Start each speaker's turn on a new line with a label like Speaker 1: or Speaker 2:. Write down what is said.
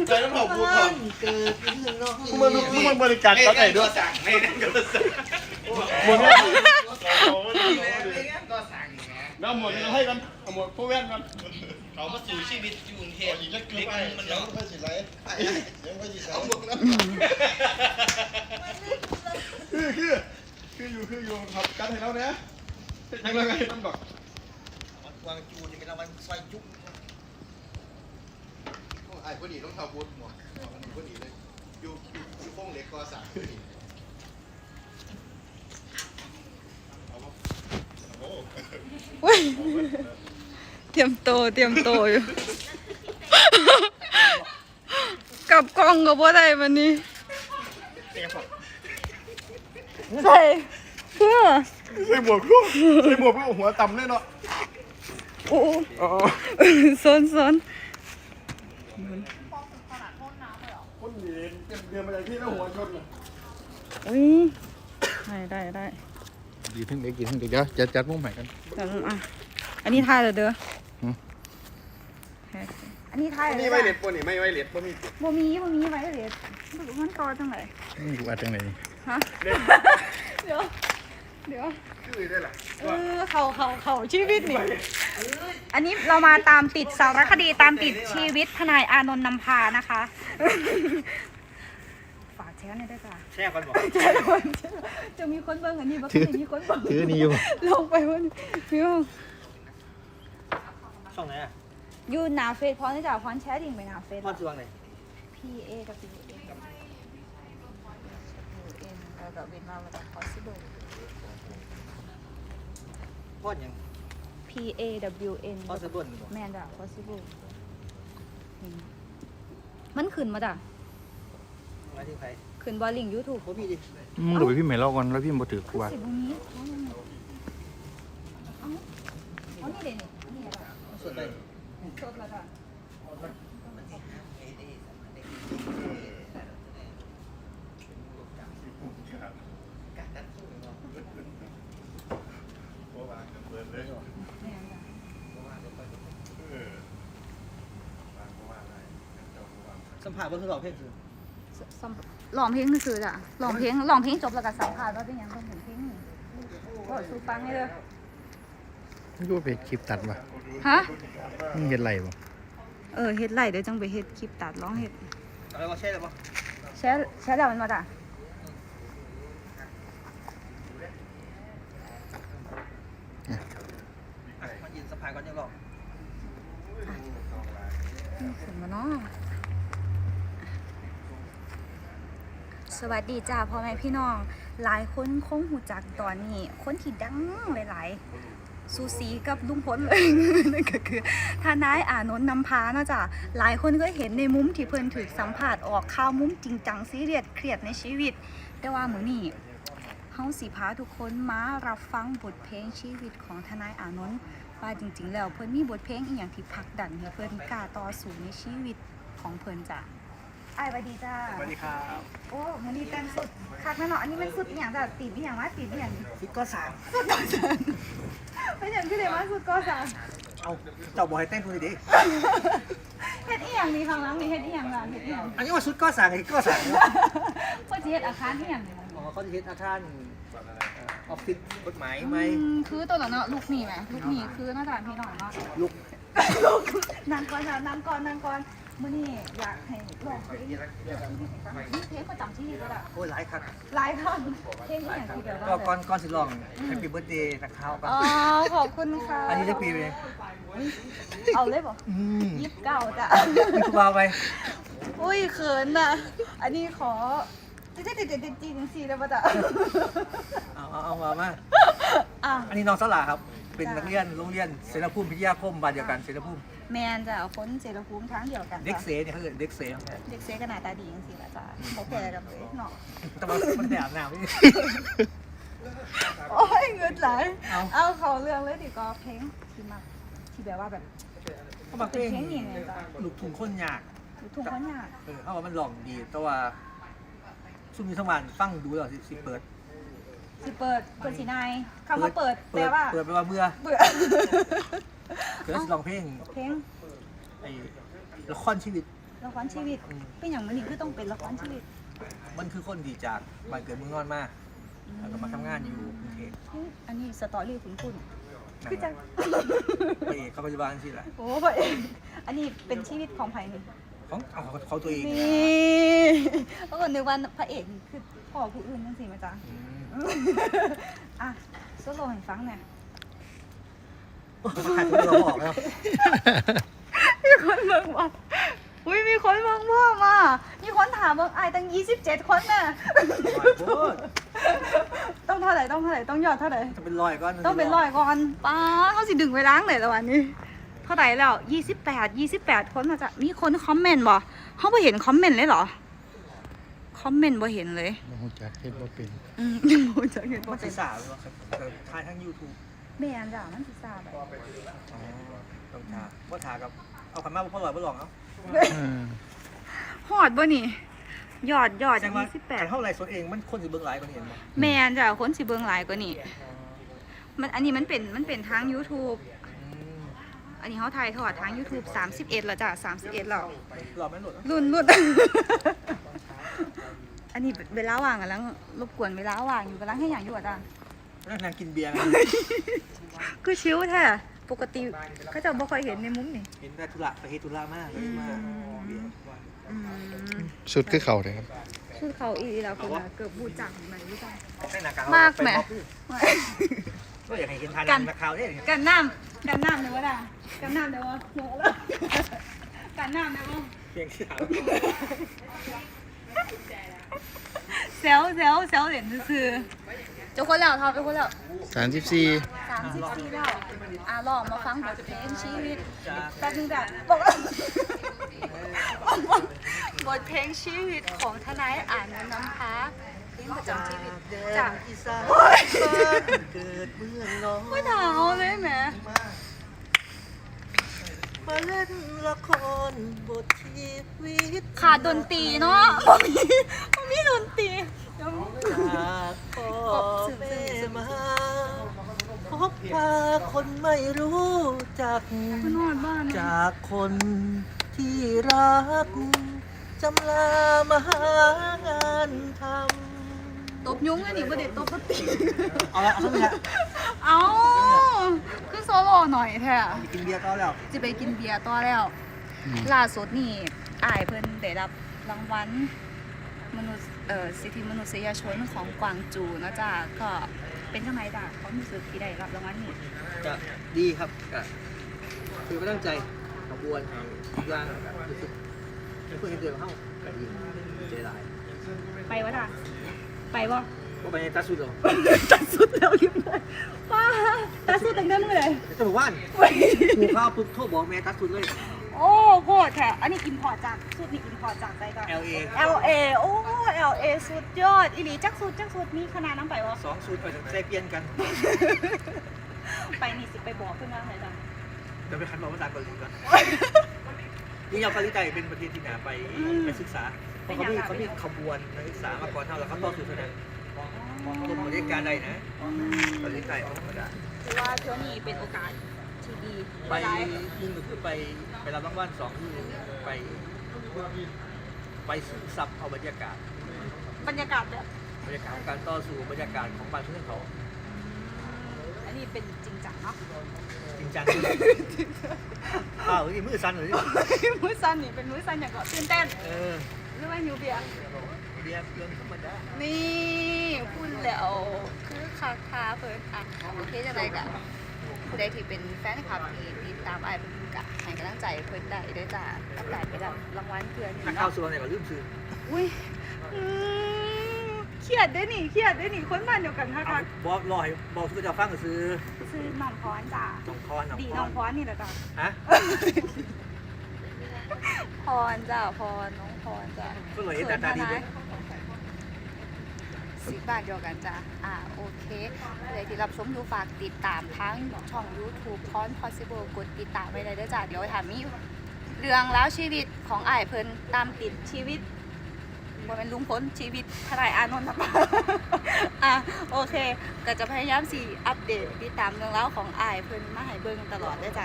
Speaker 1: ใจต้องขอบคุณก่อนเกิดน้อง
Speaker 2: มึงบริการก็ได้ด้วย
Speaker 1: สั่งไม่นั่นก็สั่ง
Speaker 2: หมด
Speaker 1: ก็สั่ง
Speaker 2: แล้วหมดเราให้กันหมดพวกแว่นกัน
Speaker 1: เขามาสู่ชีวิตอยู่กรุงเทพเล็กๆมันเนาะ
Speaker 3: ค่อยสิไรยังค่อยสิไร
Speaker 2: คืออยู่ครับกันให้เราเนี่ยยังไงต้องบอก
Speaker 1: วางจูนี่เป็นวันซอยยุก
Speaker 3: ไอ้พอดีต้องเท่าบูทหมดพอดีเลยอยู่โค้งเล็กก็สั่ง
Speaker 4: เตรียมโตอยู่กับกล้องก็บ่ได้วันนี้ใส่เพื่อ
Speaker 2: ใส่หมวกหัวต่ำเลยเนาะ
Speaker 4: โอ้ซน
Speaker 2: คนเดินมาจากที่แล้วหัวชนเลย
Speaker 4: ได้
Speaker 3: ดีทั้งเด็กเดี๋ยวจัดมุมใหม่กัน
Speaker 4: อันนี้ทายเด้ออันนี้ทาย
Speaker 2: นี่ไวเล็ดป่ะนี่ไม่ไวเล็ดป่ะมี
Speaker 4: ไว้เล็ดมันต่อจังไหน
Speaker 3: กูอัดจังไหน
Speaker 4: ฮะเดี๋ยว
Speaker 2: คือได้หรอ
Speaker 4: เขาชีวิตนี่อันนี้เรามาตามติดสารคดีตามติดชีวิตทนายอานนท์นำพานะคะฝากแชร์หน่อยได้จ้ะ
Speaker 1: แช่กันบอก
Speaker 4: จะมีคนเบิ่งอันนี้บ้างมีคนเบิ่ง
Speaker 3: ถือนี่อยู่
Speaker 4: ลงไปวันพี่ว่า
Speaker 1: ช่องไหนอ่ะ
Speaker 4: อยู่หน้าเฟซพร้อมที่จะพร้อมแชร์ดิ่งไปหน้าเฟซ
Speaker 1: พร้อมช่วงไหน
Speaker 4: PA กับ WN แล้วก็เป็นมาจาก possible
Speaker 1: พอดยัง
Speaker 4: PAWN
Speaker 1: พอสะดุด
Speaker 4: แมนจ้ะ possible มันขึ้นมาจ้ะ
Speaker 1: มาที่ใคร
Speaker 4: ขึ้นบอลลิง YouTube
Speaker 1: โอ้พี่ดิ
Speaker 3: มึงดูไปพี่ใหม่เล่าก่อนแล้วพี่มาถือกูว่า
Speaker 4: สิบวันนี้เอานี่เด่นนี่อะไร
Speaker 1: สดเลย
Speaker 4: สดแล้วจ้ะ
Speaker 1: สัมผัสบนสลอกเพลงคือ
Speaker 4: ลองเพลงคือจ้ะลองเพลงจบแล้วก็สัมภาษณ์ว่าเป็นยังไงเป็นเพลงก็สูฟังให้เลย
Speaker 3: ไม่รู้ไปคลิปตัดป่ะ
Speaker 4: ฮะ
Speaker 3: มึงเห็นไรป่ะ
Speaker 4: เฮ็ดไรเดี๋ยวจังไปเฮ็ดคลิปตัดร้องเฮ็ด
Speaker 1: อะไรวะแช่เลยป่ะ
Speaker 4: แช่แล้วมันมาจ้ะ
Speaker 1: มายินสัมผัสก่อนยังหรอก
Speaker 4: ขึ้นมาเนาะสวัสดีจ้าพ่อแม่พี่น้องหลายคนคงหูจักตอนนี้คนที่ดังหลายๆซูซีกับลุงพลเลยนั่นก็คือทนายอานนท์นำพานะจ้ะหลายคนก็เห็นในมุมที่เพิ่นถูกสัมภาษณ์ออกข่าวมุมจริงจังซีเรียสเครียดในชีวิตแต่ว่ามื้อนี้เฮาสิพาทุกคนมารับฟังบทเพลงชีวิตของทนายอานนท์ว่าจริงๆแล้วเพิ่นมีบทเพลงอีหยังที่ผลักดันให้เพิ่นกล้าต่อสู้ในชีวิตของเพิ่นจ้ะสวัสดีจ้า
Speaker 1: สวัสดีครับ
Speaker 4: โอ้มันนี่แต่งสุดคักแน่นอนอันนี้มันสุดอย่างแบบตีนอย่างว่าตีนอย่าง
Speaker 1: สุดก็สาม
Speaker 4: สุดก็สามไม่อย่างที่เรียกว่าสุดก็สาม
Speaker 1: เอาเจ้าบอกให้แต่งตัวดี
Speaker 4: เฮ็ดอีหยังนี่ข้างหลังนี่เฮ็ดอีหยังล่ะเฮ็ดอีหยัง
Speaker 1: อันนี้ว่าสุดก็สามไอ้ก็สาม
Speaker 4: เขาจะเฮ็ดอาคารอีหยังนี่
Speaker 1: เขาจะเฮ็ดอาคารออฟฟิศกฎหมายไหม
Speaker 4: คือตัวเนาะลูกนี่ไหมลูกนี่คือน่าจะพี่น้องเนาะ
Speaker 1: ลูก
Speaker 4: นั่งก่อนมื่อนี้อยากให้ลองเพลงเพลงประจำที่นี่ก็ได้
Speaker 1: โอ้ยหลายครับ
Speaker 4: หลายท่อนเพลงที่อย่างที่เดียว
Speaker 1: ก็ก่อนสิลอง Happy Birthday จากเขาป่ะ
Speaker 4: อ๋อขอบคุณค่ะ
Speaker 1: อันนี้จะปีเลย
Speaker 4: เอาเลยป่ะ29จ้ะ
Speaker 1: มีครูบาไป
Speaker 4: อุ้ยเขินอ่ะอันนี้ขอจีได้ป่ะจ๊ะ
Speaker 1: เอามาอันนี้น้องสลาครับเป็นนักเรียนโรงเรียนเสรภูมิพิทยาคมบ้านเดียวกันเสรภูมิ
Speaker 4: แมนจะเอาคนเสรภูมิทั้งเดียวกัน
Speaker 1: เด็กเสเนี่ยเขาเรียกเด็กเส
Speaker 4: ก็หน้าตาดีจริงๆละจ้ะเขาแก่กันเลยเนาะ
Speaker 1: แต่ว่ามันแบบหนาวนี่
Speaker 4: โอ้ยเงินไหลเอาเขาเรื่องเลยดิก็เพลงที่มาที่แบบว่าแบบ
Speaker 1: เขาบอกเพลงนี่ไงจ้ะลูกทุ่งคนยาก
Speaker 4: ลูกทุ่งคนยาก
Speaker 1: เขาว่ามันหลอกดีแต่ว่าช่วงนี้ทั้งวันฟังดูแล้วสิเปิด
Speaker 4: สีนายคำว่าเปิดแปลว่า
Speaker 1: แปลว่าเบื่อเดี๋ยวจะลองเพลงไอ้ละครชีวิต
Speaker 4: ละครชีวิตเป็นอย่างมันนี่คือต้องเป็นละครชีวิต
Speaker 1: มันคือคนดีจากบ้านเกิดเมืองนอนมาแล้วก็มาทำงานอยู่กรุงเทพ
Speaker 4: อันนี้สตอรี่คุณ
Speaker 1: นั่น
Speaker 4: คือ
Speaker 1: แห
Speaker 4: จั
Speaker 1: ละ
Speaker 4: ง
Speaker 1: พระเอกเขาปัจจุบันสิแหละ
Speaker 4: โอ้พระเอกอันนี้เป็นชีวิตของไผ่นี่
Speaker 1: ของเอาเขาตัวเอง
Speaker 4: นี่เพราะคนนึกว่าพระเอกคือพ่อผู้อื่นนั่นสิมาจ้ะ
Speaker 1: อืม
Speaker 4: อ่ะโซโล่ให้ฟังหน่อย
Speaker 1: ขายตัวเราบอกแล้ว
Speaker 4: มีคนเบิ่งว่าอุ้ยมีคนเบิ่งพ่อมามีคนถามเบิ่งไอ้ตั้ง27 คนน่ะ
Speaker 1: โอ้ย
Speaker 4: ต้องเท่าไหร่ต้องยอดเท่าไหร่
Speaker 1: จะเป็นรอยก้อน
Speaker 4: ต้องเป็น100ก่อนป้าเขาสิดึงไว้ล้างเลยแล้ววันนี้เท่าไหร่แล้ว28 คนน่ะจ้ะมีคนคอมเมนต์บ่เฮาบ่เห็นคอมเมนต์เลยเหรอคอมเมนต์บ่เห็นเลย
Speaker 2: บ่ฮู้จักเฮ็ดบ่เป็น
Speaker 4: โอ้จะเห็นบ่
Speaker 1: มัน
Speaker 4: เป็
Speaker 1: ศี
Speaker 4: น
Speaker 1: รษะหรือเปล่าครับถ่ายทั้ง YouTube
Speaker 4: แม่นจ้ะมันสิทราบไป
Speaker 1: อ๋อต้องทาว่าทากับเอาขันมาพ่อลอยพ่อลองเอา
Speaker 4: ฮอดบ่นี่ยอด
Speaker 1: แสดงว่าการเท่าไรสดเองมันคนสิเบิ่งหลายกว่านี้เห็นบ่
Speaker 4: 28แม่นจ้ะคนสิเบิ่งหลายกว่านี้มันอันนี้มันเป็นทาง YouTube
Speaker 1: อืม
Speaker 4: อันนี้เขาถ่ายทอดทาง YouTube 31แล้วจ้ะ31แล้ว
Speaker 1: หลอดไม่หลุด
Speaker 4: รุ่น อันนี้เวลาว่างกันแล้วรบกวนเวลาว่างอยู่กันแล้วให้อย่างอยู่อ่ะจ้ะ
Speaker 1: นางกินเบียร์ไง
Speaker 4: คือชิวแท้ปกติก็จะบ่ค่อยเห็นในมุมนี่
Speaker 1: เห็นได้ธุระไปเฮดธุระมากเลยมาเบียร์
Speaker 2: สุดคือเขาเลยครับ
Speaker 4: คือเขาอีแล้วคนน่ะเกือบบูจังไหนบูจัง
Speaker 1: ใช่หนัก
Speaker 4: มากแหม
Speaker 1: ก็อยากให้เห็นทานนักข่าวเนี่ย
Speaker 4: กันน้ำเดี๋ยวว่าด่ากันน้ำเดี๋ยวว่าหัวแล้วกันน้ำเดี๋ยวว่า
Speaker 1: เพียงที่ถาม
Speaker 4: เซลเหรียญซื้อเจ้าคนแล้วท็อปเจ้าคนแล้ว
Speaker 2: 34
Speaker 4: 34แล้วลองมาฟังบทเพลงชีวิต
Speaker 1: จาก
Speaker 4: แป๊บนึงจ้ะบอกว่าบทเพลงชีวิตของทนายอ่านน้ำค้าเพลงประจำชีวิตจาก
Speaker 1: อีสานเกิดเมืองน้อง
Speaker 4: ไม่หนาวเลยแหม
Speaker 1: มาเล่นละครบทชีวิต
Speaker 4: ขาดดนตรีเนาะบ่มีดนตรีเดี๋ยว
Speaker 1: จากพ่อแม่มาพบพาคนไม่รู้จัก
Speaker 4: คุณนอนบ้านนะ
Speaker 1: จากคนที่รัก จำลามาหางานทำ
Speaker 4: ตบยุ้งอันนี้ประเด็นตบดนตรี
Speaker 1: เอาละเอาสักนิด
Speaker 4: เอาคือโซโล่หน่อยแท้
Speaker 1: มีกินเบียร์ก็แล้ว
Speaker 4: จะไปกินเบียร์ต่อแล้วล่าสุดนี่อ้ายเพิ่นได้รับรางวัลมนุษย์สิทธิมนุษยชนของกวางจูนะจ๊ะก็เป็นจังไดจ้ะความรู้สึกที่ได้รับรางวัลนี้
Speaker 1: จะดีครับก็คือไม่ตั้งใจขบวนทุกอย่างรู้สึกเป็นเพื่อนเดิมเข้าก็ดีใจร้าย
Speaker 4: ไปวะจ้ะไปบ่
Speaker 1: ว่าไปในตาสุดหรอ
Speaker 4: ตัดสุดแล้วเรียบร้อยป้าตัดสุดตั้งแต่เมื่อไหร่
Speaker 1: จะบอกว่าหมูข้าวปุ๊บโทรบอกแม่ตาสุดเลย
Speaker 4: โอ้โหแท้อันนี้กินพอร์ตจากสุดนี่กินพอร์ตจากใจจ้ะ
Speaker 1: LA
Speaker 4: LA โอ้ LA สุดยอดอีหลีจักสุดมีขนาดน้ำไปวะ
Speaker 1: 2 สูตรไปใส่เปลี่ยนกัน
Speaker 4: ไปนี่สิไปบอกเพื่อนว่าไงจ้ะ
Speaker 1: เดี๋ยวไปคันบอกภาษาเกาหลีก่อนยิ่งเอาเกาหลีใต้เป็นประเทศที่หนาไปศึกษาเพราะเขามีขบวนนักศึกษามาก่อนเท่าแล้วเขาต่อสู้เท่านั้นคนบริการใดนะเกาหลีใต้ธรรมดา
Speaker 4: ถือว่าเที่ยวนี้เป็นโอกาสที่ดี
Speaker 1: ไป
Speaker 4: หลาย
Speaker 1: ยิ่งก็คือไปรับรางวัล2ที่ไปซึมซับเอาบรรยากาศ
Speaker 4: บรรยากาศแบบ
Speaker 1: ของการต่อสู้บรรยากาศของบ้านเพื่อนเขา
Speaker 4: อันนี้เป็นจริงจังเนาะ
Speaker 1: จริงจังอ้าวนี่มือสั่นเลย
Speaker 4: มื้อซันนี่เป็นมื้อซันอย่างก็ตื่นเต้น
Speaker 1: อ
Speaker 4: หรือว่าหิวเบียร์
Speaker 1: เรียนเรื่องธรรมดา
Speaker 4: นี่พูดแล้วคือคาคาเพิ่นอ่ะโอเคจังได๋ก็ผู้ใดที่เป็นแฟนคลับที่ติดตามอ้ายเพิ่นก็ให้กำลังใจเพิ่นได้เด้อจ้ากับการไปรับรางวัลเพื่อนนี่
Speaker 1: นักข่าว
Speaker 4: เนาะ
Speaker 1: ส่วนเนี่ยก็ลืมซื้อ
Speaker 4: อุ้ยเครียดได้อนี่คนบ้านเดียวกันค่ะ
Speaker 1: เอาบอกรอยบอกทุกเจ้าฟังก็ซื้อ
Speaker 4: ซื้อน้องพรจ้า
Speaker 1: น้องคอน
Speaker 4: ดีน้องพรนี่แหละจ้า
Speaker 1: ฮะ
Speaker 4: พรจ้าพรน้องพรจ้า
Speaker 1: ก็เลยตาตาดีด้วย
Speaker 4: สิบบาทเดียวกันจ้าโอเคเลยที่รับชมดูฝากติดตามทั้งช่อง YouTube พร Possible กดติดตามไว้เลยเด้อจ้าเดี๋ยวถามมีเรื่องแล้วชีวิตของอ้ายเพิ่นตามติดชีวิตบ่เป็นลุงพ้นชีวิตทนายอานนท์นะโอเคก็จะพยายามสิอัปเดตติดตามเรื่องราวของอ้ายเพิ่นมาให้เบิ่งตลอดเด้อจ้า